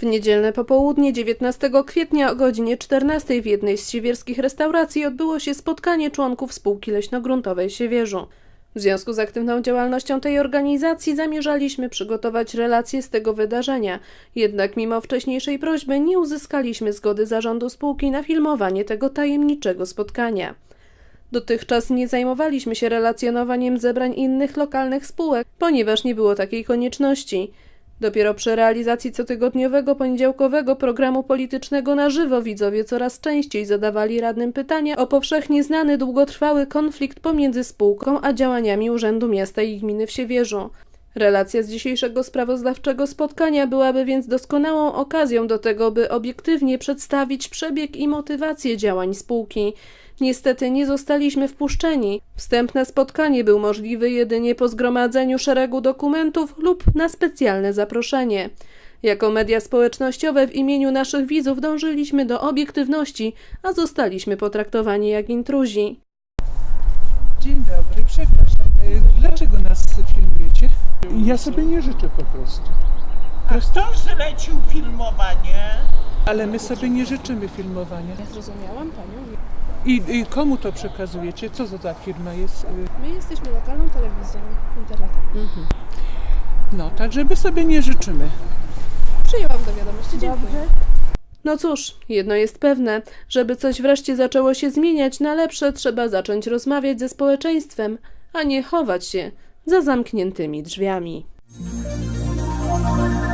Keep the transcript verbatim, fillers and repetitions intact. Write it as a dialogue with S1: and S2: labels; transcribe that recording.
S1: W niedzielne popołudnie dziewiętnastego kwietnia o godzinie czternastej w jednej z siewierskich restauracji odbyło się spotkanie członków spółki leśnogruntowej w Siewierzu. W związku z aktywną działalnością tej organizacji zamierzaliśmy przygotować relacje z tego wydarzenia, jednak mimo wcześniejszej prośby nie uzyskaliśmy zgody zarządu spółki na filmowanie tego tajemniczego spotkania. Dotychczas nie zajmowaliśmy się relacjonowaniem zebrań innych lokalnych spółek, ponieważ nie było takiej konieczności. Dopiero przy realizacji cotygodniowego poniedziałkowego programu politycznego na żywo widzowie coraz częściej zadawali radnym pytania o powszechnie znany długotrwały konflikt pomiędzy spółką a działaniami Urzędu Miasta i Gminy w Siewierzu. Relacja z dzisiejszego sprawozdawczego spotkania byłaby więc doskonałą okazją do tego, by obiektywnie przedstawić przebieg i motywację działań spółki. Niestety nie zostaliśmy wpuszczeni. Wstęp na spotkanie był możliwy jedynie po zgromadzeniu szeregu dokumentów lub na specjalne zaproszenie. Jako media społecznościowe w imieniu naszych widzów dążyliśmy do obiektywności, a zostaliśmy potraktowani jak intruzi.
S2: Dzień dobry, przepraszam. Dlaczego nas filmujecie?
S3: Ja sobie nie życzę po prostu.
S4: A kto zlecił filmowanie?
S2: Ale my sobie nie życzymy filmowania.
S5: Ja zrozumiałam Panią.
S2: I, I komu to przekazujecie? Co to za firma jest?
S5: My jesteśmy lokalną telewizją internetową.
S2: Mhm. No, także my sobie nie życzymy.
S5: Przyjęłam do wiadomości, dziękuję.
S1: No cóż, jedno jest pewne, żeby coś wreszcie zaczęło się zmieniać na lepsze, trzeba zacząć rozmawiać ze społeczeństwem, a nie chować się za zamkniętymi drzwiami.